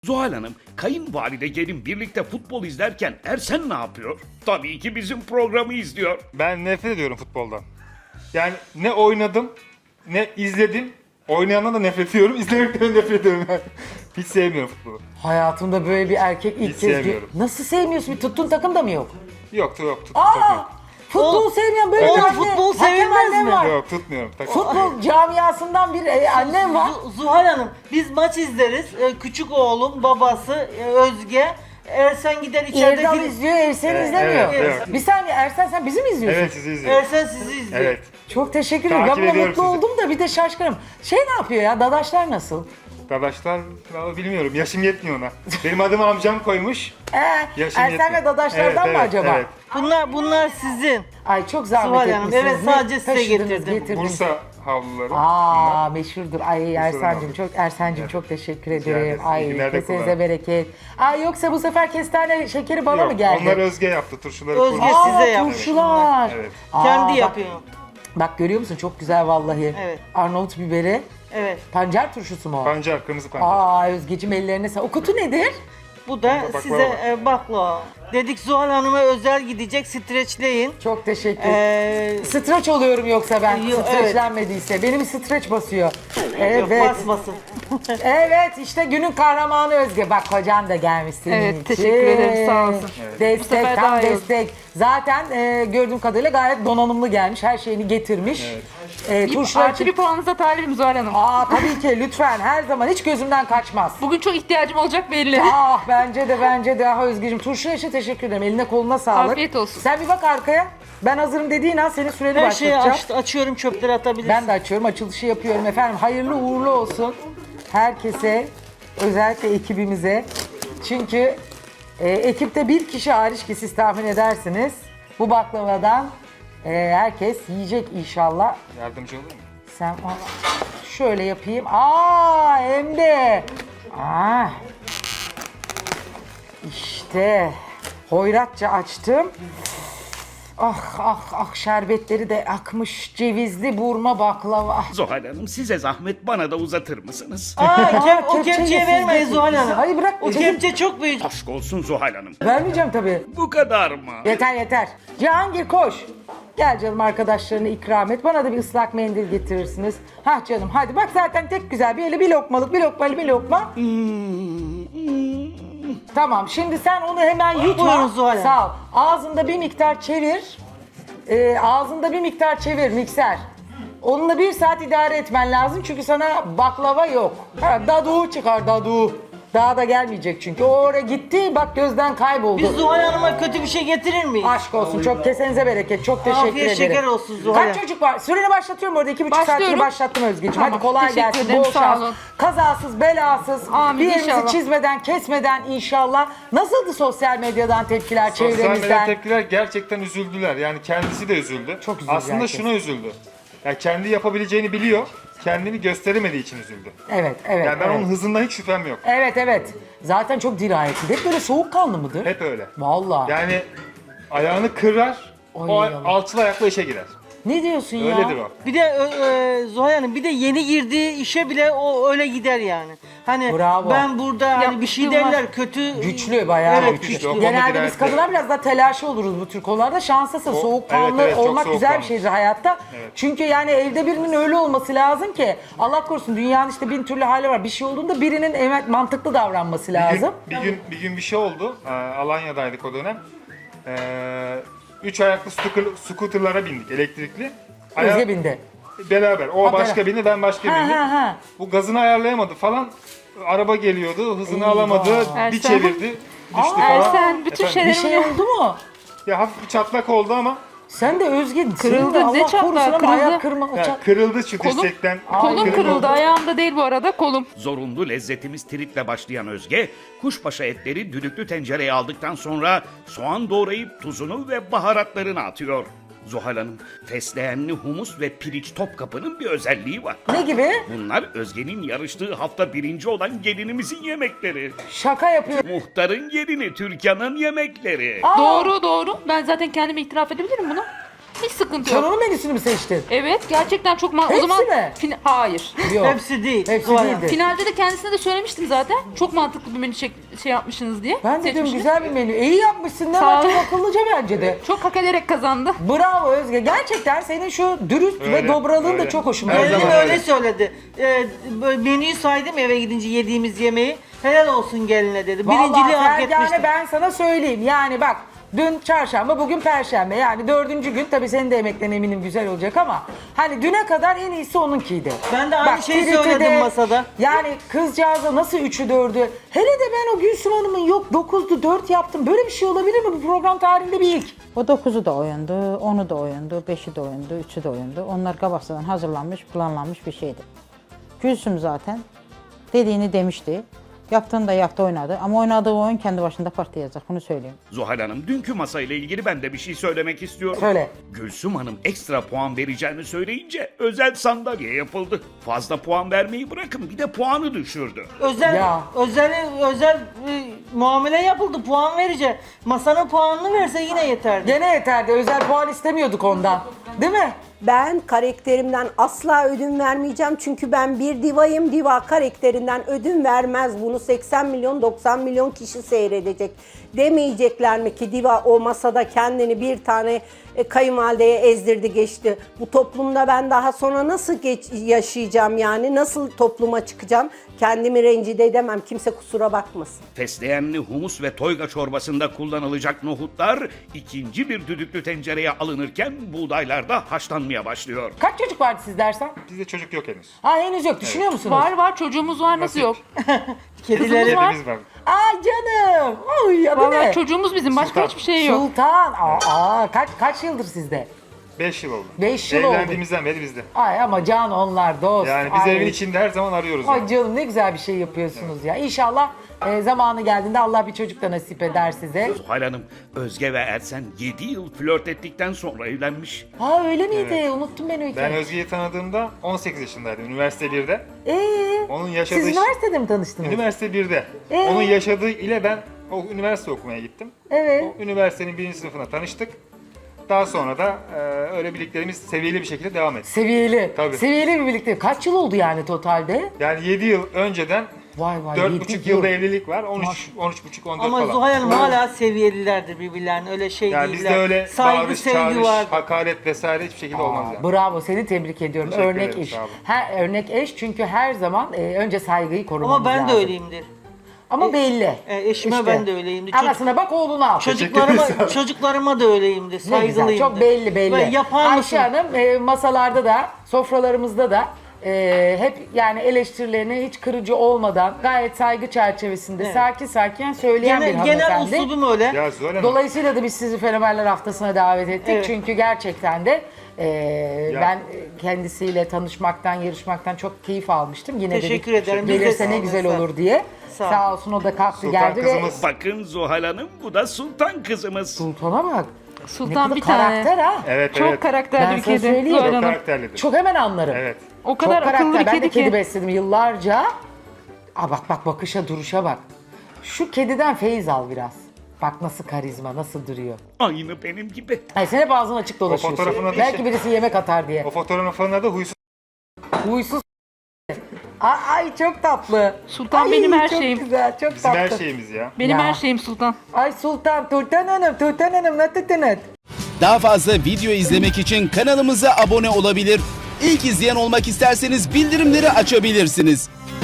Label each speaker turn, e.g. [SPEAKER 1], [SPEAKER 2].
[SPEAKER 1] Zuhal Hanım, kayınvalide gelin birlikte futbol izlerken Ersen ne yapıyor? Tabii ki bizim programı izliyor.
[SPEAKER 2] Ben nefret ediyorum futboldan. Yani ne oynadım, ne izledim. Oynayandan da nefret ediyorum, izlemekten de nefret ediyorum yani. Hiç sevmiyorum futbolu.
[SPEAKER 3] Hayatımda böyle bir erkek ilk
[SPEAKER 2] Hiç
[SPEAKER 3] kez
[SPEAKER 2] sevmiyorum.
[SPEAKER 3] Nasıl sevmiyorsun? Bir tuttuğun takım da mı yok?
[SPEAKER 2] Yok.
[SPEAKER 3] Aa! Futbol sevmeyen böyle
[SPEAKER 2] Evet,
[SPEAKER 3] bir
[SPEAKER 2] evet.
[SPEAKER 3] anne.
[SPEAKER 4] Futbol
[SPEAKER 3] hakem
[SPEAKER 4] sevilmez
[SPEAKER 3] annem
[SPEAKER 4] mi?
[SPEAKER 3] var.
[SPEAKER 2] Yok tutmuyorum.
[SPEAKER 3] Futbol camiasından bir annem var.
[SPEAKER 4] Zuhal Hanım, biz maç izleriz. Küçük oğlum, babası, Özge. Ersen gider içeride
[SPEAKER 3] Erdal
[SPEAKER 4] film.
[SPEAKER 3] izliyor, Ersen izlemiyor.
[SPEAKER 2] evet.
[SPEAKER 3] Bir saniye Ersen sen bizi mi izliyorsun?
[SPEAKER 2] Evet sizi izliyorum.
[SPEAKER 4] Ersen sizi izliyor.
[SPEAKER 2] Evet.
[SPEAKER 3] Çok teşekkür ederim. Ben
[SPEAKER 2] Takip
[SPEAKER 3] buna
[SPEAKER 2] ediyorum
[SPEAKER 3] mutlu
[SPEAKER 2] sizi.
[SPEAKER 3] oldum da bir de şaşkınım. Ne yapıyor ya? Dadaşlar nasıl?
[SPEAKER 2] Dadaşlar vallahi bilmiyorum. Yaşım yetmiyor ona. Benim adımı amcam koymuş. Yaşım
[SPEAKER 3] Ersen
[SPEAKER 2] yetmiyor.
[SPEAKER 3] ve dadaşlardan
[SPEAKER 2] Evet,
[SPEAKER 3] mı
[SPEAKER 2] evet,
[SPEAKER 3] acaba?
[SPEAKER 2] evet.
[SPEAKER 4] Bunlar sizin.
[SPEAKER 3] Ay çok zahmet
[SPEAKER 4] Zuhal Hanım,
[SPEAKER 3] etmişsiniz.
[SPEAKER 4] evet,
[SPEAKER 3] Ne
[SPEAKER 4] sadece size
[SPEAKER 3] taşıdınız,
[SPEAKER 4] getirdim.
[SPEAKER 3] getirdiniz?
[SPEAKER 2] Bursa havluları.
[SPEAKER 3] Aa meşhurdur. Ay Ersen'cim
[SPEAKER 2] abi.
[SPEAKER 3] çok Ersen'cim çok teşekkür ederim.
[SPEAKER 2] ederim. İyi
[SPEAKER 3] Ay
[SPEAKER 2] günler de
[SPEAKER 3] kesinize
[SPEAKER 2] kullanın.
[SPEAKER 3] bereket. Ay yoksa bu sefer kestane şekeri bana mı
[SPEAKER 2] Yok,
[SPEAKER 3] geldi?
[SPEAKER 2] onlar Özge yaptı. Turşuları
[SPEAKER 4] Özge
[SPEAKER 2] kurmuş.
[SPEAKER 4] size yapmış
[SPEAKER 3] turşular.
[SPEAKER 2] Evet.
[SPEAKER 4] Kendi
[SPEAKER 3] bak-
[SPEAKER 4] yapıyor.
[SPEAKER 3] Bak görüyor musun çok güzel vallahi.
[SPEAKER 4] Evet.
[SPEAKER 3] Arnavut biberi.
[SPEAKER 4] Evet.
[SPEAKER 3] Pancar turşusu mu o?
[SPEAKER 2] Pancar, kırmızı pancar.
[SPEAKER 3] Aa Özgeciğim ellerine sağ. O kutu nedir?
[SPEAKER 4] Bu da
[SPEAKER 2] Baklava
[SPEAKER 4] size
[SPEAKER 2] var.
[SPEAKER 4] baklava. Dedik Zuhal Hanım'a özel gidecek, streçleyin.
[SPEAKER 3] Çok teşekkür.
[SPEAKER 4] Ee,
[SPEAKER 3] Streç oluyorum yoksa ben
[SPEAKER 4] Yok,
[SPEAKER 3] streçlenmediyse. Benim streç basıyor.
[SPEAKER 4] Yok,
[SPEAKER 3] Evet.
[SPEAKER 4] basmasın.
[SPEAKER 3] Evet işte günün kahramanı Özge. Bak kocan da gelmiş senin
[SPEAKER 5] Evet,
[SPEAKER 3] için.
[SPEAKER 5] teşekkür ederim, sağ olsun. Bu
[SPEAKER 3] Destek
[SPEAKER 5] sefer
[SPEAKER 3] tam
[SPEAKER 5] daha iyi oldu.
[SPEAKER 3] destek. Zaten gördüğüm kadarıyla gayet donanımlı gelmiş. Her şeyini getirmiş. Turşular
[SPEAKER 5] Artı bir puanınıza talibim Zuhal Hanım.
[SPEAKER 3] Aa tabii ki lütfen her zaman hiç gözümden kaçmaz.
[SPEAKER 5] Bugün çok ihtiyacım olacak belli.
[SPEAKER 3] Ah bence de ah Özgeciğim turşuya için teşekkür ederim. Eline koluna sağlık.
[SPEAKER 5] Afiyet olsun.
[SPEAKER 3] Sen bir bak arkaya. Ben hazırım dediğin an senin süreni
[SPEAKER 4] Her şeyi
[SPEAKER 3] başlatacağım.
[SPEAKER 4] açıyorum, çöpleri atabilirsin.
[SPEAKER 3] Ben de açıyorum, açılışı yapıyorum efendim. Hayırlı uğurlu olsun herkese, özellikle ekibimize. Çünkü ekipte bir kişi hariç ki siz tahmin edersiniz. Bu baklavadan herkes yiyecek inşallah.
[SPEAKER 2] Yardımcı olur mu?
[SPEAKER 3] Sen şöyle yapayım. Aa hem de. Ah. İşte hoyratça açtım. Ah şerbetleri de akmış cevizli burma baklava.
[SPEAKER 1] Zuhal Hanım size zahmet bana da uzatır mısınız?
[SPEAKER 4] O
[SPEAKER 3] kepçeyi
[SPEAKER 4] kepçeyi
[SPEAKER 3] siz
[SPEAKER 4] vermeyin
[SPEAKER 3] getirin.
[SPEAKER 4] Zuhal Hanım.
[SPEAKER 3] Hayır, bırak,
[SPEAKER 4] O
[SPEAKER 3] çekil.
[SPEAKER 4] kepçe çok büyük.
[SPEAKER 1] Aşk olsun Zuhal Hanım.
[SPEAKER 3] Vermeyeceğim tabii.
[SPEAKER 1] Bu kadar mı?
[SPEAKER 3] Yeter. Cihangir koş. Gel canım arkadaşlarını ikram et. Bana da bir ıslak mendil getirirsiniz. Hah canım hadi bak zaten tek güzel bir eli bir lokmalık bir lokma. Tamam şimdi sen onu hemen yutma.
[SPEAKER 4] Buyurun Zuhal Hanım.
[SPEAKER 3] Sağ ol. Ağzında bir miktar çevir. Ağzında bir miktar çevir mikser. Onunla 1 saat idare etmen lazım çünkü sana baklava yok. Dadu çıkar dadu. Daha da gelmeyecek çünkü. O oraya gitti bak gözden kayboldu.
[SPEAKER 4] Biz Zuhal Hanım'a kötü bir şey getirir miyiz?
[SPEAKER 3] Aşk olsun çok kesenize bereket. Çok teşekkür
[SPEAKER 4] Afiyet
[SPEAKER 3] ederim.
[SPEAKER 4] şeker olsun Zuhal
[SPEAKER 3] Kaç
[SPEAKER 4] Hanım.
[SPEAKER 3] çocuk var? Süreni başlatıyorum orada. 2,5 saatini
[SPEAKER 5] Başlıyorum.
[SPEAKER 3] başlattım Özgeciğim.
[SPEAKER 5] Tamam,
[SPEAKER 3] Hadi kolay
[SPEAKER 5] teşekkür
[SPEAKER 3] gelsin.
[SPEAKER 5] ederim,
[SPEAKER 3] Bol
[SPEAKER 5] sağ
[SPEAKER 3] şans.
[SPEAKER 5] olun.
[SPEAKER 3] Kazasız belasız.
[SPEAKER 5] Amin,
[SPEAKER 3] Bir yerimizi
[SPEAKER 5] inşallah.
[SPEAKER 3] çizmeden kesmeden inşallah. Nasıldı sosyal medyadan tepkiler
[SPEAKER 2] Sosyal medya
[SPEAKER 3] çevremizden?
[SPEAKER 2] tepkiler gerçekten üzüldüler. Yani kendisi de üzüldü.
[SPEAKER 3] Çok üzüldü
[SPEAKER 2] Aslında
[SPEAKER 3] herkes.
[SPEAKER 2] şuna üzüldü. Yani kendi yapabileceğini biliyor. Kendini gösteremediği için üzüldü.
[SPEAKER 3] Evet.
[SPEAKER 2] Yani ben
[SPEAKER 3] evet.
[SPEAKER 2] onun hızından hiç şüphem yok.
[SPEAKER 3] Evet. Zaten çok dirayetli. Hep böyle soğukkanlı mıdır?
[SPEAKER 2] Hep öyle.
[SPEAKER 3] Vallahi.
[SPEAKER 2] Yani ayağını kırar, o
[SPEAKER 3] Ay, Allah.
[SPEAKER 2] alçıl ayakla işe girer.
[SPEAKER 3] Ne diyorsun ya?
[SPEAKER 2] Öyledir o.
[SPEAKER 4] Bir de Zuhal Hanım bir de yeni girdiği işe bile o öyle gider yani. Hani
[SPEAKER 3] Bravo.
[SPEAKER 4] ben burada hani bir şey
[SPEAKER 5] Yapmışlığım var.
[SPEAKER 4] derler kötü.
[SPEAKER 3] Güçlü bayağı
[SPEAKER 4] Evet,
[SPEAKER 3] güçlü.
[SPEAKER 2] güçlü. O
[SPEAKER 3] Genelde
[SPEAKER 2] konuda
[SPEAKER 3] biz
[SPEAKER 2] dirayetli.
[SPEAKER 3] kadınlar biraz daha telaşlı oluruz bu tür konularda. Şanslısın. Soğukkanlı
[SPEAKER 2] evet, çok
[SPEAKER 3] olmak güzel bir
[SPEAKER 2] soğukkanlı.
[SPEAKER 3] şeydir hayatta.
[SPEAKER 2] Evet.
[SPEAKER 3] Çünkü yani evde birinin öyle olması lazım ki Allah korusun dünyanın işte bin türlü hali var. Bir şey olduğunda birinin evet mantıklı davranması lazım.
[SPEAKER 2] Bir gün bir şey oldu. Alanya'daydık o dönem. 3 ayaklı scooter'lara bindik elektrikli.
[SPEAKER 3] Özge bindi.
[SPEAKER 2] Beraber. O
[SPEAKER 3] Ha,
[SPEAKER 2] başka bindi, ben başka bindim.
[SPEAKER 3] Ha.
[SPEAKER 2] Bu gazını ayarlayamadı falan. Araba geliyordu, hızını
[SPEAKER 3] Eyvah.
[SPEAKER 2] alamadı, bir
[SPEAKER 5] Ersen.
[SPEAKER 2] çevirdi, düştü falan.
[SPEAKER 5] Ersen bütün
[SPEAKER 2] Efendim?
[SPEAKER 3] Bir
[SPEAKER 5] şeylerimi
[SPEAKER 3] şey oldu mu?
[SPEAKER 2] Ya hafif bir çatlak oldu ama
[SPEAKER 3] Sen de Özge
[SPEAKER 5] Kırıldı,
[SPEAKER 3] senin de
[SPEAKER 5] ne
[SPEAKER 3] Allah
[SPEAKER 5] çatlağı,
[SPEAKER 3] korusun ama
[SPEAKER 5] kırıldı.
[SPEAKER 3] ayak kırma.
[SPEAKER 2] ya, kırıldı şu
[SPEAKER 5] Kolum-
[SPEAKER 2] dirsekten.
[SPEAKER 5] kolum kırıldı. Ayağımda değil bu arada kolum.
[SPEAKER 1] Zorunlu lezzetimiz tritle başlayan Özge, kuşbaşı etleri düdüklü tencereye aldıktan sonra soğan doğrayıp tuzunu ve baharatlarını atıyor. Zuhal Hanım, fesleğenli humus ve pirinç Topkapı'nın bir özelliği var.
[SPEAKER 3] Ne gibi?
[SPEAKER 1] Bunlar Özge'nin yarıştığı hafta birinci olan gelinimizin yemekleri.
[SPEAKER 3] Şaka yapıyor.
[SPEAKER 1] Muhtarın gelini Türkan'ın yemekleri.
[SPEAKER 3] Aa,
[SPEAKER 5] Doğru. Ben zaten kendime itiraf edebilirim bunu. Hiç sıkıntı
[SPEAKER 3] Sen
[SPEAKER 5] yok.
[SPEAKER 3] onun menüsünü mü seçtin?
[SPEAKER 5] Evet gerçekten çok
[SPEAKER 3] Hepsi
[SPEAKER 5] o zaman
[SPEAKER 3] mi?
[SPEAKER 5] Hayır.
[SPEAKER 3] Yok.
[SPEAKER 4] Hepsi değil.
[SPEAKER 3] Hepsi
[SPEAKER 4] Zuhal Hanım.
[SPEAKER 3] değildi.
[SPEAKER 5] Finalde de kendisine de söylemiştim zaten. Çok mantıklı bir menü şey yapmışsınız diye.
[SPEAKER 3] Ben dedim
[SPEAKER 5] seçmişsiniz.
[SPEAKER 3] güzel bir menü. İyi yapmışsın. Ne
[SPEAKER 5] Sağ
[SPEAKER 3] var
[SPEAKER 5] ol.
[SPEAKER 3] çok akıllıca bence de.
[SPEAKER 5] Çok hak ederek kazandı.
[SPEAKER 3] Bravo Özge. Gerçekten senin şu dürüst ve
[SPEAKER 2] Öyle,
[SPEAKER 3] dobralığın da
[SPEAKER 2] öyle.
[SPEAKER 3] çok hoşuma
[SPEAKER 2] Her
[SPEAKER 3] gitti.
[SPEAKER 4] Gelin
[SPEAKER 2] zaman
[SPEAKER 4] öyle
[SPEAKER 2] öyle.
[SPEAKER 4] söyledi. Böyle menüyü saydım eve gidince yediğimiz yemeği. Helal olsun geline dedi.
[SPEAKER 3] Vallahi
[SPEAKER 4] Birinciliği hak
[SPEAKER 3] Fergane
[SPEAKER 4] etmişti.
[SPEAKER 3] ben sana söyleyeyim. Yani bak dün çarşamba bugün perşembe. Yani 4. gün tabii senin de emeklerin eminim güzel olacak ama hani düne kadar en iyisi onunkiydi.
[SPEAKER 4] Ben de aynı şeyi
[SPEAKER 3] TRT'de
[SPEAKER 4] söyledim masada.
[SPEAKER 3] Yani kızcağıza nasıl 3'ü 4'ü. Hele de ben o Gülsüm Hanım'ın yok 9'du 4 yaptım. Böyle bir şey olabilir mi bu program tarihinde bir ilk?
[SPEAKER 6] O 9'u da oyundu, 10'u da oyundu, 5'i de oyundu, 3'ü de oyundu. Onlar kabaksadan hazırlanmış, planlanmış bir şeydi. Gülsüm zaten dediğini demişti. Yaptığını da yaptı, oynadı. Ama oynadığı oyun kendi başında patlayacak, bunu söyleyeyim.
[SPEAKER 1] Zuhal Hanım, dünkü masayla ilgili ben de bir şey söylemek istiyorum.
[SPEAKER 3] Söyle.
[SPEAKER 1] Gülsüm Hanım ekstra puan vereceğini söyleyince özel sandalye yapıldı. Fazla puan vermeyi bırakın, bir de puanı düşürdü.
[SPEAKER 3] Ya.
[SPEAKER 4] Özel muamele yapıldı. Puan verecek. Masanın puanını verse yine yeterdi.
[SPEAKER 3] Gene yeterdi. Özel puan istemiyorduk ondan. Değil mi?
[SPEAKER 7] Ben karakterimden asla ödün vermeyeceğim. Çünkü ben bir divayım. Diva karakterinden ödün vermez. Bunu 80 milyon 90 milyon kişi seyredecek. Demeyecekler mi ki diva o masada kendini bir tane kayınvalideye ezdirdi geçti. Bu toplumda ben daha sonra nasıl yaşayacağım yani? Nasıl topluma çıkacağım? Kendimi rencide edemem. Kimse kusura bakmasın.
[SPEAKER 1] Fesleğenli humus ve toyga çorbasında kullanılacak nohutlar ikinci bir düdüklü tencereye alınırken buğdaylar da haşlanmaya başlıyor.
[SPEAKER 3] Kaç çocuk vardı siz dersen?
[SPEAKER 2] Bizde çocuk yok henüz.
[SPEAKER 3] Ha henüz yok. Düşünüyor musunuz?
[SPEAKER 5] Var çocuğumuz var nasıl
[SPEAKER 2] Nasip.
[SPEAKER 5] yok?
[SPEAKER 4] Kedileri
[SPEAKER 5] Kızımız var.
[SPEAKER 2] Kedimiz var.
[SPEAKER 3] Ay canım. Oy adı
[SPEAKER 5] Vallahi
[SPEAKER 3] ne?
[SPEAKER 5] çocuğumuz bizim başka
[SPEAKER 2] Sultan.
[SPEAKER 5] hiçbir şey yok.
[SPEAKER 3] Sultan. Kaç yıldır sizde?
[SPEAKER 2] 5 yıl oldu.
[SPEAKER 3] 5 yıl oldu.
[SPEAKER 2] Evlendiğimizden beri bizde.
[SPEAKER 3] Ay ama can onlar dost.
[SPEAKER 2] Yani biz
[SPEAKER 3] Ay.
[SPEAKER 2] evin içinde her zaman arıyoruz.
[SPEAKER 3] Ay
[SPEAKER 2] yani.
[SPEAKER 3] canım ne güzel bir şey yapıyorsunuz ya. İnşallah zamanı geldiğinde Allah bir çocuk da nasip eder size.
[SPEAKER 1] Zuhal Hanım, Özge ve Ersen 7 yıl flört ettikten sonra evlenmiş.
[SPEAKER 3] Ha öyle miydi? Unuttum ben o
[SPEAKER 2] Ben
[SPEAKER 3] hikayeyi.
[SPEAKER 2] Özge'yi tanıdığımda 18 yaşındaydım. Üniversite 1'de.
[SPEAKER 3] Siz
[SPEAKER 2] Onun yaşadığı...
[SPEAKER 3] üniversitede mi tanıştınız?
[SPEAKER 2] Üniversite 1'de. Onun yaşadığı ile ben o üniversite okumaya gittim.
[SPEAKER 3] Evet.
[SPEAKER 2] O üniversitenin 1. sınıfına tanıştık. Daha sonra da öyle birliklerimiz seviyeli bir şekilde devam etti.
[SPEAKER 3] Seviyeli.
[SPEAKER 2] Tabii.
[SPEAKER 3] Seviyeli bir birlikte. Kaç yıl oldu yani totalde?
[SPEAKER 2] Yani 7 yıl önceden
[SPEAKER 3] Vay vay.
[SPEAKER 2] 4,5
[SPEAKER 3] yedi
[SPEAKER 2] yılda
[SPEAKER 3] yıl.
[SPEAKER 2] evlilik var. 13,5, 14
[SPEAKER 4] Ama
[SPEAKER 2] falan.
[SPEAKER 4] Zuhal Hanım hala seviyelilerdir birbirlerine. Öyle şey
[SPEAKER 2] Yani
[SPEAKER 4] değiller.
[SPEAKER 2] bizde öyle
[SPEAKER 4] Saygı,
[SPEAKER 2] bağırış,
[SPEAKER 4] sevgi
[SPEAKER 2] çağırış,
[SPEAKER 4] var.
[SPEAKER 2] hakaret vesaire hiçbir şekilde olmaz yani.
[SPEAKER 3] Bravo seni tebrik ediyorum.
[SPEAKER 2] Teşekkür
[SPEAKER 3] Örnek
[SPEAKER 2] ederim,
[SPEAKER 3] eş.
[SPEAKER 2] sağ olun.
[SPEAKER 3] Örnek eş çünkü her zaman önce saygıyı korumamız
[SPEAKER 4] Ama ben
[SPEAKER 3] lazım.
[SPEAKER 4] de öyleyimdir.
[SPEAKER 3] Ama belli.
[SPEAKER 4] Eşime
[SPEAKER 3] İşte.
[SPEAKER 4] ben de öyleyimdir.
[SPEAKER 3] Anasına bak oğluna al.
[SPEAKER 4] Çocuklarıma da öyleyimdir.
[SPEAKER 3] Ne güzel,
[SPEAKER 4] Saygılıyımdır.
[SPEAKER 3] çok belli belli.
[SPEAKER 4] Ve yapar mısın?
[SPEAKER 3] Ayşe Hanım masalarda da, sofralarımızda da hep yani eleştirilerini hiç kırıcı olmadan gayet saygı çerçevesinde sakin sakin söyleyen bir
[SPEAKER 4] Genel
[SPEAKER 3] hanımefendi.
[SPEAKER 4] uslubum öyle.
[SPEAKER 2] Ya Zuhal Hanım,
[SPEAKER 3] Dolayısıyla da biz sizi Fenomenler Haftası'na davet ettik.
[SPEAKER 4] Evet.
[SPEAKER 3] Çünkü gerçekten de ben kendisiyle tanışmaktan, yarışmaktan çok keyif almıştım. Yine
[SPEAKER 4] Teşekkür
[SPEAKER 3] dedik,
[SPEAKER 4] ederim. Biz de
[SPEAKER 3] gelirse ne
[SPEAKER 4] sağ
[SPEAKER 3] güzel
[SPEAKER 4] olun.
[SPEAKER 3] olur diye.
[SPEAKER 4] Sağ ol.
[SPEAKER 3] Sağ olsun o da kalktı
[SPEAKER 2] Sultan
[SPEAKER 3] geldi ve
[SPEAKER 2] kızımız.
[SPEAKER 1] Bakın Zuhal Hanım, bu da Sultan kızımız.
[SPEAKER 3] Sultan'a bak.
[SPEAKER 5] Sultan
[SPEAKER 3] ne
[SPEAKER 5] bir
[SPEAKER 3] kadar
[SPEAKER 5] tane.
[SPEAKER 3] karakter ha.
[SPEAKER 2] Evet,
[SPEAKER 5] Çok
[SPEAKER 2] evet.
[SPEAKER 5] karakterli
[SPEAKER 3] Ben
[SPEAKER 5] bir
[SPEAKER 3] sana
[SPEAKER 5] kedi.
[SPEAKER 3] söyleyeyim.
[SPEAKER 5] Zuhal
[SPEAKER 2] Çok
[SPEAKER 5] Hanım.
[SPEAKER 2] karakterlidir.
[SPEAKER 3] Çok hemen anlarım.
[SPEAKER 2] Evet.
[SPEAKER 5] O kadar
[SPEAKER 3] Çok
[SPEAKER 5] akıllı
[SPEAKER 3] karakter.
[SPEAKER 5] bir
[SPEAKER 3] Ben de
[SPEAKER 5] kedi
[SPEAKER 3] kedi
[SPEAKER 5] ki.
[SPEAKER 3] besledim yıllarca. Bak bakışa duruşa bak. Şu kediden feyiz al biraz. Bak nasıl karizma, nasıl duruyor.
[SPEAKER 1] Aynı benim gibi.
[SPEAKER 3] Ay sen hep ağzın açık dolaşıyorsun.
[SPEAKER 2] fotoğrafına da
[SPEAKER 3] Belki
[SPEAKER 2] şey-
[SPEAKER 3] birisi yemek atar diye.
[SPEAKER 2] O fotoğrafın adı huysuz.
[SPEAKER 3] Huysuz. Ay çok tatlı.
[SPEAKER 5] Sultan
[SPEAKER 3] Ay,
[SPEAKER 5] benim her
[SPEAKER 3] çok
[SPEAKER 5] şeyim.
[SPEAKER 3] güzel, çok
[SPEAKER 2] Bizim
[SPEAKER 3] tatlı.
[SPEAKER 2] her şeyimiz ya.
[SPEAKER 5] Benim
[SPEAKER 3] Ya.
[SPEAKER 5] her şeyim Sultan.
[SPEAKER 3] Ay Sultan, Turtan Hanım, ne tuttunuz?
[SPEAKER 8] Daha fazla video izlemek için kanalımıza abone olabilir. İlk izleyen olmak isterseniz bildirimleri açabilirsiniz.